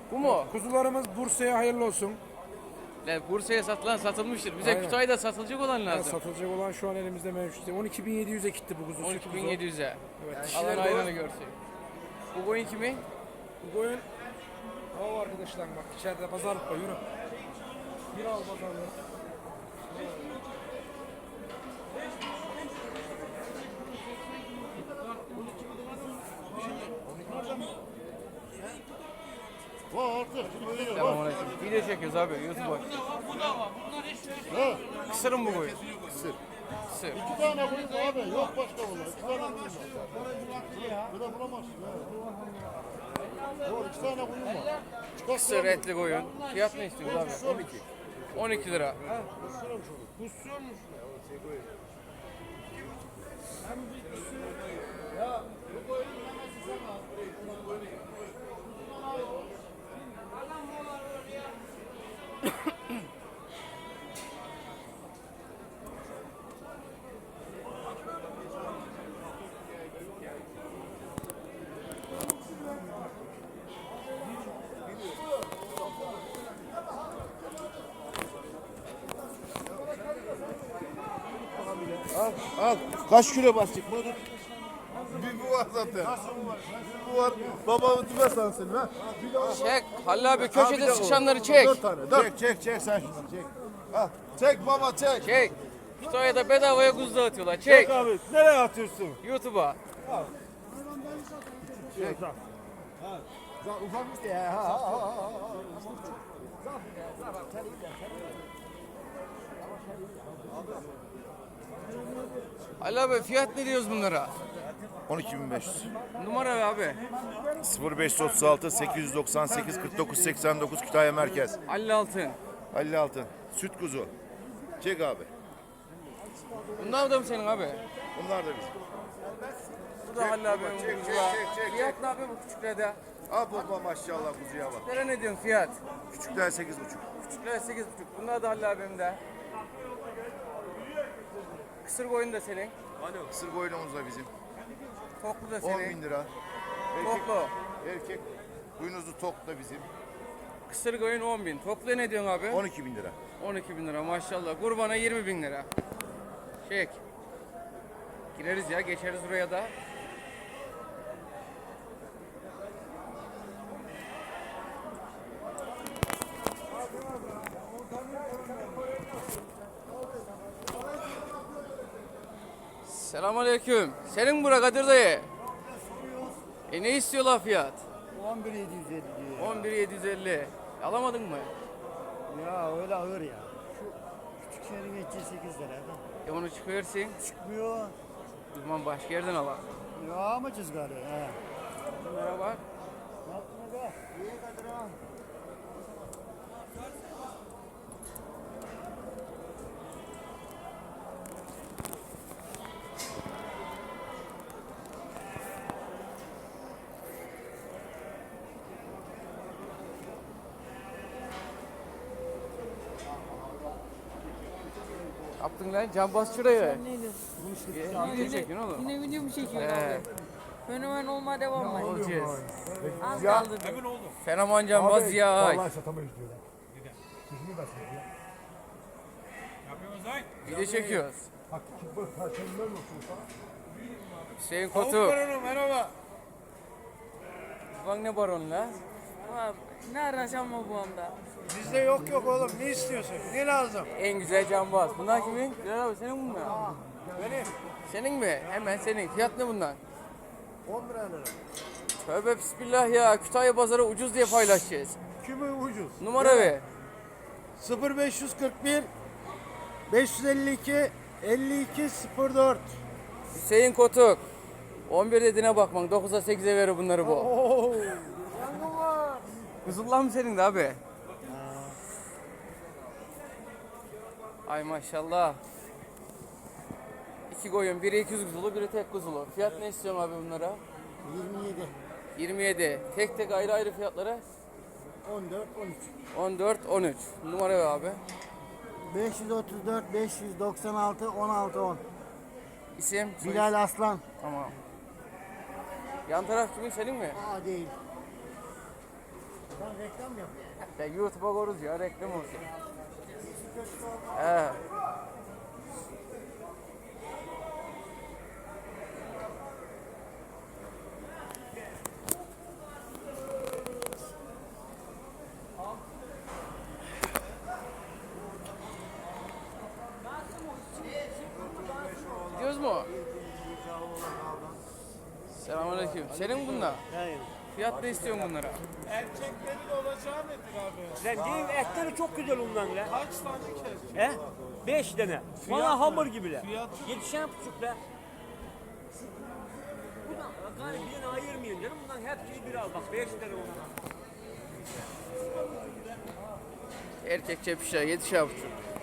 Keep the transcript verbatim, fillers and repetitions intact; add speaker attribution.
Speaker 1: Bu mu?
Speaker 2: Kuzularımız Bursa'ya hayırlı olsun.
Speaker 1: Lan Bursa'ya satılan satılmıştır. Bize
Speaker 2: Aynen.
Speaker 1: Kütahya'da satılacak olan
Speaker 2: Yani
Speaker 1: lazım.
Speaker 2: satılacak olan şu an elimizde mevcut. on iki bin yedi yüze gitti bu kuzu.
Speaker 1: on iki bin yedi yüze.
Speaker 2: Evet.
Speaker 1: Alan
Speaker 2: Dişiler
Speaker 1: hayranı
Speaker 2: de
Speaker 1: görsün. Bu koyun kimin?
Speaker 2: bu koyun. O arkadaşlar bak içeride pazarlık var, yürü. Bir al pazarlık.
Speaker 1: Selamünaleyküm. Video çekiyoruz abi YouTube'a. Kısırım bu koyun.
Speaker 3: Kısır.
Speaker 1: Kısır.
Speaker 3: İki tane koyun mu abi? Yok başka bunlar. İki tane koyun var. Bir de bulamazsın ha. Yok iki tane koyun var. Çıkar
Speaker 1: Kısır etli koyun. Fiyat ne istiyoruz abi?
Speaker 3: on iki.
Speaker 1: on iki lira.
Speaker 3: Al al. Kaç kilo basacak? Bu bir bu var zaten. Bu var. Babamı tüme sansın ha.
Speaker 1: Çek. Halil abi köşede sıçanları çek.
Speaker 3: Dört tane. Dört. Çek çek çek sen şunu çek. Al. Çek baba çek.
Speaker 1: Çek. Kütahya'da bedavaya kuzu dağıtıyorlar. Çek.
Speaker 3: abi. Nereye atıyorsun?
Speaker 1: YouTube'a.
Speaker 3: Çek. Ufak işte ya. Ha, ha, ha, ha.
Speaker 1: Halil abi fiyat ne diyoruz bunlara?
Speaker 4: on iki bin beş yüz.
Speaker 1: Numara ver abi.
Speaker 4: sıfır beş otuz altı sekiz doksan sekiz kırk dokuz seksen dokuz Kütahya Merkez.
Speaker 1: Halil Altın.
Speaker 4: elli altı. Süt kuzu. Çek abi.
Speaker 1: Bunlar da mı senin abi?
Speaker 4: Bunlar da bizim.
Speaker 1: Bu da Halil abi.
Speaker 4: çek, çek,
Speaker 1: kuzular.
Speaker 4: çek, çek,
Speaker 1: Fiyat ne abi bu küçüklerde?
Speaker 4: Al baba maşallah kuzuya bak.
Speaker 1: Küçüklere ne diyorsun fiyat?
Speaker 4: Küçükler sekiz buçuk.
Speaker 1: Küçükler sekiz buçuk. Bunlar da Halil abimde. Kısır koyun da senin.
Speaker 4: Kısır koyunumuz da bizim.
Speaker 1: Toklu da
Speaker 4: on
Speaker 1: senin.
Speaker 4: bin lira. Erkek,
Speaker 1: Toklu.
Speaker 4: erkek boynuzlu tok da bizim.
Speaker 1: Kısır koyun on bin. Toplu ne diyorsun abi?
Speaker 4: on iki bin lira.
Speaker 1: on iki bin lira maşallah. Kurbana yirmi bin lira. Çek. Gireriz ya, geçeriz buraya da. Selamünaleyküm. Senin bura Kadir dayı. E ne istiyorlar fiyat?
Speaker 5: on bir bin yedi yüz elli diyor.
Speaker 1: on bir bin yedi yüz elli. Alamadın mı?
Speaker 5: Ya öyle ağır ya. Şu küçük şehrin geçeceği sekiz lira.
Speaker 1: E onu çıkıyorsun.
Speaker 5: Çıkmıyor.
Speaker 1: O zaman başka yerden al.
Speaker 5: Ya ama cızgarı. He.
Speaker 1: Bunlara bak.
Speaker 5: Yapma be. İyi Kadir ha.
Speaker 1: Yaptın lan cambaz şuraya.
Speaker 6: Neydi?
Speaker 1: Video çekiyorsun oğlum.
Speaker 6: Yine video mu çekiyor
Speaker 1: He.
Speaker 6: abi? Fenomen olma devam mı?
Speaker 1: Olacağız.
Speaker 6: Az kaldı.
Speaker 1: Fenomen cambaz ya.
Speaker 2: Vallahi satamayız diyorlar. Sözünü versin ya.
Speaker 1: Video çekiyoruz.
Speaker 2: Bak bu perşembeler olsun sana.
Speaker 1: Hüseyin Kotu.
Speaker 2: Merhaba.
Speaker 1: Bak ne baron la.
Speaker 6: Abi, ne araşan mı bu anda?
Speaker 2: Bizde yok yok oğlum, ne istiyorsun? Ne lazım?
Speaker 1: En güzel cambaz. Bunlar kimin? Bilal abi senin bunlar.
Speaker 2: Benim.
Speaker 1: Senin mi? Hemen senin. Fiyat ne bunlar?
Speaker 2: on lira lira.
Speaker 1: Tövbe bismillah ya. Kütahya pazarı ucuz diye paylaşacağız.
Speaker 2: Kimi ucuz?
Speaker 1: Numara ver.
Speaker 2: sıfır beş kırk bir beş yüz elli iki elli iki sıfır dört.
Speaker 1: Hüseyin Kotuk. on bir dediğine bakman. dokuza sekize verir bunları bu.
Speaker 2: Oo. Yangın var.
Speaker 1: Kızıllah mı senin de abi? Ay maşallah. İki koyun, biri iki yüz kuzulu, biri tek kuzulu. Fiyat ne istiyorsun abi bunlara?
Speaker 5: yirmi yedi.
Speaker 1: yirmi yedi. Tek tek ayrı ayrı fiyatlara?
Speaker 5: on dört on üç.
Speaker 1: on dört on üç. Numara ver abi.
Speaker 5: beş yüz otuz dört beş yüz doksan altı on altı on.
Speaker 1: İsim? soy
Speaker 5: Bilal
Speaker 1: isim.
Speaker 5: Aslan.
Speaker 1: Tamam. Yan taraf kimin, senin mi?
Speaker 5: Aa değil. Sen reklam mı yapıyorsun?
Speaker 1: Ya YouTube'a koruz ya reklam olsun. He. Göz mü o? Selamünaleyküm. Senin bunlar.
Speaker 5: Hayır.
Speaker 1: Fiyat da istiyorsun bunlara.
Speaker 7: Erkeklerin olacağı nedir abi?
Speaker 8: Lan değil etleri çok güzel ondan lan.
Speaker 7: Kaç tane kes?
Speaker 8: He? Beş tane. Bana hamur gibi lan.
Speaker 7: Fiyat?
Speaker 8: Yetişen buçuk lan. Bundan gani birini ayırmayın canım. Bundan hepsini bir al bak. Beş tane ondan.
Speaker 1: Erkek çepişler yetişer buçuk.